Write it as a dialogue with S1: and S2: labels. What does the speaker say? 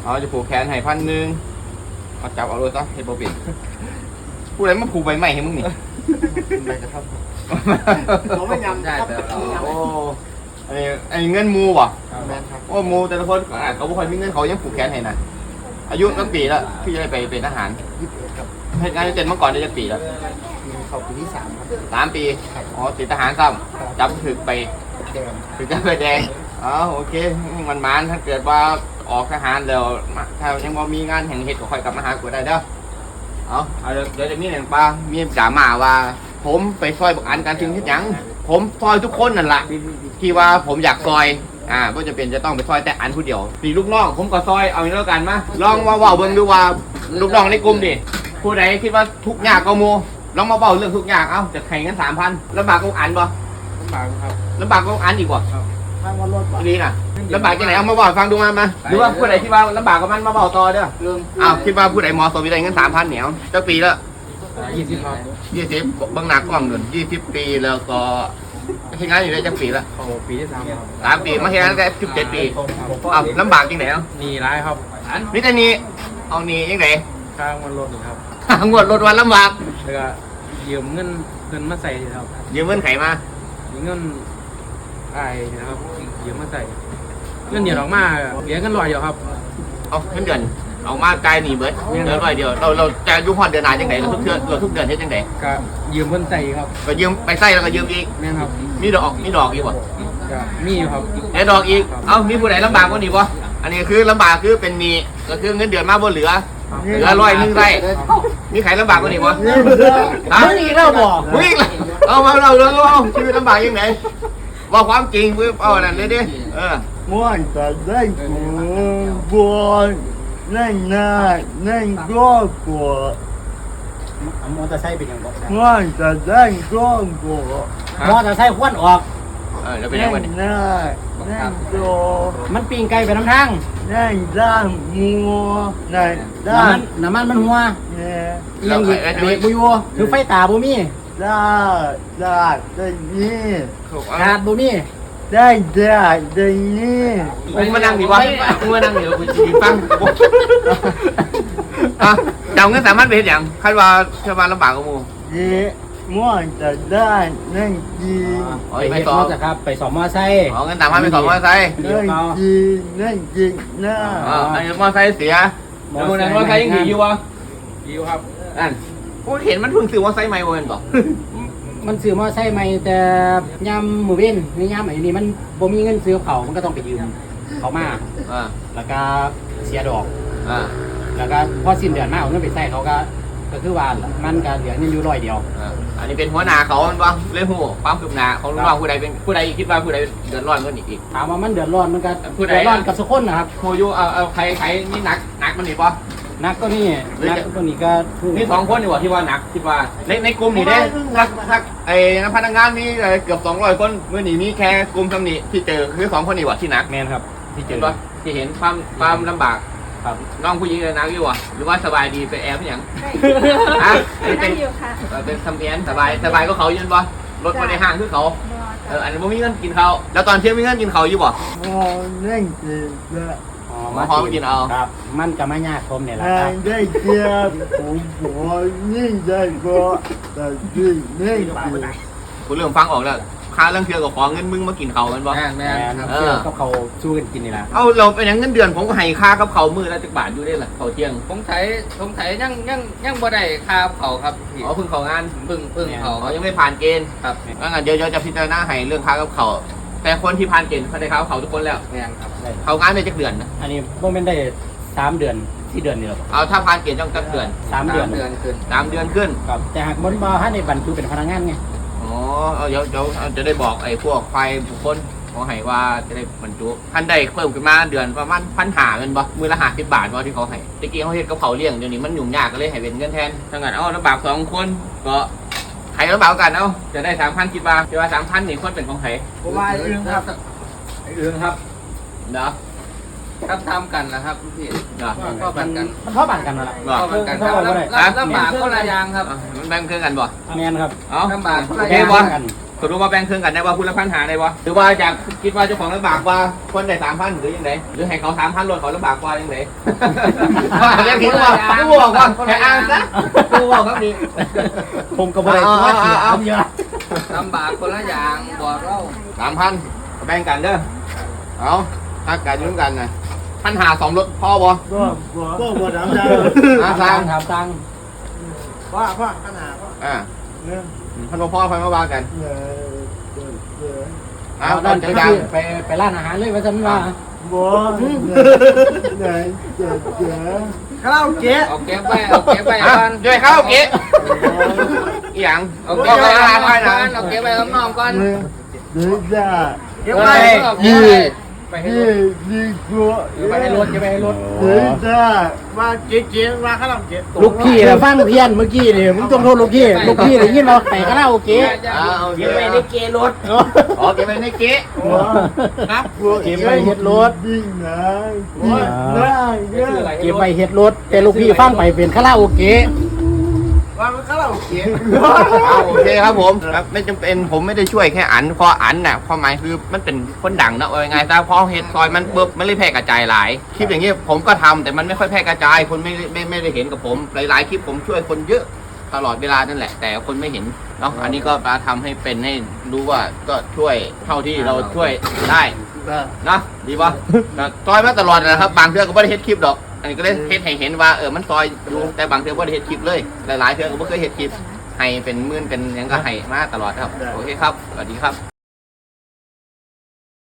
S1: เอาจะผูกแขนให้1,000เอาจับเอาเลยซะเฮ็ดบ่เป็นผู้ใดมาผูกใบไม้ให้มึงนี่
S2: ไปกระทับ
S3: เราไม่ยำได้แต่เรา
S1: โอ้ไอ้เงินมูบ่
S2: แม่ครับ
S1: โอ้มูแต่ละคนเขาบ่ค่อยมีเงินเขายังผูกแขนให้นะอายุตั้งปีแล้วพี่จะได้ไปเป็นทหาร
S2: 21ครับ
S1: เหตุงานเจนเมื่อก่อนได้จักปีแล้ว
S2: เข้าปีที่3ครับ
S1: 3 ปีอ๋อติดทหารซ้ำจับถึกไปถึงจะไปแดงอ๋อโอเคมันถ้าเกิดว่าออกทหารแล้วถ้ายังบ่มีงานแห่งเหตุก็ค่อยกลับมาหากูได้เด้อเอาเดี๋ยวจะมีหนึ่งปลามีจ่ามาว่าผมไปซอยบักอันการถึงเฮ็ดหยังผมซอยทุกคนนั่นแหละที่ว่าผมอยากซอยก็จะเป็นจะต้องไปซอยแต่อันผู้เดียวปีลูกน้องผมก็ซอยเอาอย่างนี้แล้วกันมาลองมาเว้าเบิ่งดูว่าลูกน้องในกลุ่มดิผู้ใดคิดว่าทุกข์ยากก็โมลองมาเว้าเรื่องทุกข์ยากจะแข่งกัน 3,000ลำบากก็อันบ่
S2: ลำบากครับ
S1: ลำบากก็อันอีกบ่
S2: ทางวันรถบ่
S1: ดีน่ะลำบากจังไหนเอามาเว้าฟังดูมาดูว่าผู้ใดที่ว่าลำบากกับมันมาเว้าต่อเด้อคิดว่าผู้ใดเหมาะสมได้เงิน 3,000เหนียวจักปีแล้ว
S2: 20ครับ
S1: 20บางหนักกล้องเงิน20 ปีแล้วก็เฮ็ดงานอยู่ได้จักปีแล้ว
S2: ปีที่3ครับ
S1: 3 ปีมาเฮ็ดงานได้17 ปีลำบากจังไหน
S2: นี่ร้ายครับ
S1: นี่แต่นี้เอานี่จังไหน
S2: ทางวันรถครับ
S1: งวดรถวันลำบาก
S2: แล้วก็ยืมเงินมาใส่ครับ
S1: ยืมเงินไขมา
S2: ยืมเงินนะครับยืมมาใส่เงินเดือนออกมาเหลือเงิน100เดียวครับ
S1: เอาเงินเดือนออกมาไกลหนีเบิดเดือน100เดียวเราจะยุ่งฮอดเดือนหน้าจังไหนเราทุกเดือนเฮ็ดจังได๋
S2: ก็ยืมเพิ่นใส่ครับ
S1: ก็ยืมไปใส่แล้วก็ยืมอีก
S2: แม่นครับ
S1: มีดอกอีกบ่
S2: ก็มีอยู่ครับ
S1: ได้ดอกอีกมีผู้ใดลำบากกว่านี้บ่อันนี้คือลำบากคือเป็นหนี้ก็คือเงินเดือนมาบ่เหลือ100นึงได้มีใครลำบากกว่านี้บ่
S3: มึงอีกแล้วบ่
S1: มึงอีกแล้วเอามาเราชีวิตลำบากยังไงว่าความจริงเอานั่นเลยดิ
S4: ม่วนจะได้กูบัวนั่นก็กลัว
S3: มอเตอร์ไซค์เป็นยังบ่
S4: ม่วนจะได้ก็กลัว
S3: มอเตอร์ไซค์ควนออก
S1: แล้วเป็นยังไง
S4: นั่นก็
S3: มันปีนไกลไปน้ำทาง
S4: นั่นด้านมัวนั่นด้าน
S3: น้ำมันหัว
S4: เนี่ย
S3: ยังอีกเบรกบ่อยู่คือไฟตาบ่มี
S4: ได้นี่
S3: ขาดบ่มี
S4: ได้นี่
S1: มึงมานั่งดิวะมึงมานั่งเดี๋ยวกูจีฟังเจ้าเงินสามารถไปเห็นอย่างคาดว่าชาวบ้านลำบากกว่ามู
S4: ม่วนจะได้นั่นจี
S3: ไปสอบครับไปสอบมอไซค์
S1: เงิน3,000ไปสอบมอไซค์
S4: นั่นจีน่า
S1: อันนี้มอไซค์เสียแล้วมึงนั่งมอไซค์ยังอยู่วะ
S2: อยู่ครับ
S1: นั่นกูเห็นมันเพิ่งซื้อมอไซค์ใหม่เว้ยบ่
S3: มันซื้อมอไซค์ใหม่แต่ยามมื้อเว้นในยามไอ้นี่มันบ่มีเงินซื้อเขามันก็ต้องไปยืมเขามาแล้วก็เสียดอกแล้วก็พอสิ้นเดือนมาเอาเงินไปใช้เขาก็คือว่ามันก็เหลือเงินอยู่100เดียว
S1: อันนี้เป็นหัวหน้าเขามันบ่เลยฮู้ความคืบหน้าของลูกน้องผู้ใดเป็นผู้ใดคิดว่าผู้ใดเดือดร้อนเงินอีก
S3: ถามว่ามันเดือดร้อนมันก็เดือดร้อนกับทุกคนนะครับ
S1: โหอยู่เอาใครนี่หนักมันนี่บ่
S3: นักก็นี่นักก็นี่ก็
S1: นี่2คนนี่ว่าที่ว่าหนักคิดว่าในกลุ่มนี่เด้ทักไอ้พนักงานมีเกือบ200คนมื้อนี้มีแค่กลุ่มซำนี้ที่เจอคือ2คนนี่ว่าที่หนัก
S3: แม่นครับที่เจอ
S1: บ่ที่เห็นความลำบากน้องผู้หญิงนักอยู่หรือว่าสบายดีไปแอบอย่าง
S5: เป็นอยู่ค่ะ
S1: เป็นทำเนียนสบายก็เขายืนบ่รถมาในห้างคือเขาอันนี้มีเงินกินเขาแล้วตอนเที่ยงมีเงินกินเขาอยู่บ่
S4: นั่นจี
S1: มาพร้อมกินเอา
S3: ครับมันจะไม่ยากผมเนี่ยแหละครับ
S4: ได้เจียบผมนี่ได้ก็แต่ที่นี่
S1: กูเริ่มฟังออกแล้วค่าเรื่องเที่ยวกับของเงินมึงมากินเขากันบ่
S3: แม่เที่ยวกับเขาสู้กันกินนี่แหละ
S1: เราเป็นอย่างเงินเดือนผมก็ให้ค่ากับเขามือละ10 บาทอยู่ได้แหละเขาเที่ยง
S6: ผมไถยังบ่ได้ค่าเขาครับพี่
S1: เพิ่งเขางาน
S6: เพิ่ง
S1: เขายังไม่ผ่านเกณฑ์ครับงั้นเดี๋ยวจะพิจารณาให้เรื่องค่ากับเขาแต่คนที่ผ่านเกณฑ์เขาได้ค่าเขาทุกคนแล้ว
S6: ครับ
S1: เขางานได้จักเดือนนะ
S3: อันนี้พวกมันได้3 เดือน4 เดือนนี่หรอ
S1: ถ้าผ่านเกณฑ์ต้องจักเดือน
S3: 3 เดือน
S1: ขึ้น3 เดือนขึ้น
S3: ครับแต่หากบ่ให้ในบรรจุเป็นพนักงานไง
S1: เดี๋ยวจะได้บอกไอ้พวกไฟบุคคลขอให้ว่าจะได้บรรจุท่านได้เพิ่มขึ้นมาเดือนประมาณ1,500เงินบ่มือละ50 บาทว่าที่เขาให้ตะกี้เขาเฮ็ดกับเขาเลี้ยงเดี๋ยวนี้มันยุ่งยากก็เลยให้เป็นเงินแทนถ้างั้นลำบาก2 คนก็ใครลำบากกันจะได้ 3,000 คิดว่า3,000นี่คนเป็นของใคร
S6: ผมว่าเรื่องครับ
S1: เนาะ
S6: ทำกันนะครับพี่
S3: ก็กันมันเท่ากันนั่นแหละ
S6: กันลำบากคนละอย่างครับ
S1: มันแบ่งครึ่งกันบ่
S3: แม่นครับ
S6: ลำบากคนละ
S1: อย่าง
S6: กัน
S1: สรุปว่าแบ่งครึ่งกันได้ว่าคุณละ1,500ได้บ่หรือว่าอยากคิดว่าเจ้าของลำบากกว่าคนได้3,000หรือยังไงหรือให้เขา3,000รถเขาลำบากกว่ายังไงเรียกคิดว่ากูบอกว่าแค่อ้างซะกูบอกครับนี่
S3: ผมก็บ่ได้ว่าเสียเยอะ
S6: ลำบากคนละอย่างบอกเรา
S1: 3,000แบ่งกันเด้อเอาถ้ากันยุ่งกันนะ1,500 2รถพอบ่
S4: ก็ถามได้
S3: ถามตัง
S4: ว่าขนาดว่า
S1: อ่า
S4: เนี่ย
S1: พันพ่อไฟมาว่ากัน
S4: เนี่ย
S1: อ้า
S3: เอา
S1: ว
S3: ด้าน
S1: จั
S3: ไป
S1: งจัง
S3: ไปร้านอาหารเลยว่าซั่นว่า
S4: บ่ไหนเจ๊คาราโอเกะ
S6: เอาเก็บไว้เอาเก็บไว้
S1: อ่ะ
S6: ก่อน
S1: ด้วยข้าวเก๊ะอีหยัง
S6: เอาเก็บไว้ก่อนเอาเก็บไว้ข้างนอกก่อน
S4: เดี๋ยวจะ
S6: เก็บไว้เอาเก็บไว้
S3: ไปให้
S4: นี่
S3: รถ
S4: นี่กลัว
S3: ไปให้รถจะไปให้รถ
S4: เดี๋ยวจะมาเจ๊มาคาราโอเกะ
S3: ลูกพี่น่ะฟังเพี้ยนเมื่อกี้นี่มึงต้องโทษลูกพี่ได้ยินว่าไปคาราโอเกะ
S1: อ่าโอเค
S3: เก็บไว้ในเกรถ
S1: อ๋อเก็บไว้ในเก๊ะ
S4: ครับ
S3: เก็บไว้เฮ็ดรถ
S4: ดิ้งนะได้
S3: เก็บไว้เฮ็ดรถแต่ลูกพี่ฟังไปเป็นคาราโอเกะ
S4: ว่าคาราโอเกะ
S1: เอาโอเคครับผมครับไม่จำเป็นผมไม่ได้ช่วยแค่อันพออันน่ะความหมายคือมันเป็นคนดังนะว่ายังไงแต่พอเฮ็ดซอยมันปุ๊บมันเลยแพร่กระจายหลายคลิปอย่างเงี้ยผมก็ทำแต่มันไม่ค่อยแพร่กระจายคนไม่ได้เห็นกับผมหลายๆคลิปผมช่วยคนเยอะตลอดเวลานั่นแหละ แต่คนไม่เห็นเนาะอันนี้ก็มาทำให้เป็นให้รู้ว่าก็ช่วยเท่าที่เราช่วยได้นะดีป่ะซอยมาตลอดนะครับบางเทื่อก็ไม่ได้เฮ็ดคลิปหรอกอันนี้ก็ได้เฮ็ดให้เห็นว่ามันซอยอยู่แต่บางเทื่อไม่ได้เฮ็ดคลิปเลยหลายๆเทื่อก็ไม่เคยเฮ็ดคลิปให้เป็นหมื่นเป็นหยังก็ให้มาตลอดครับโอเคครับสวัสดีครับ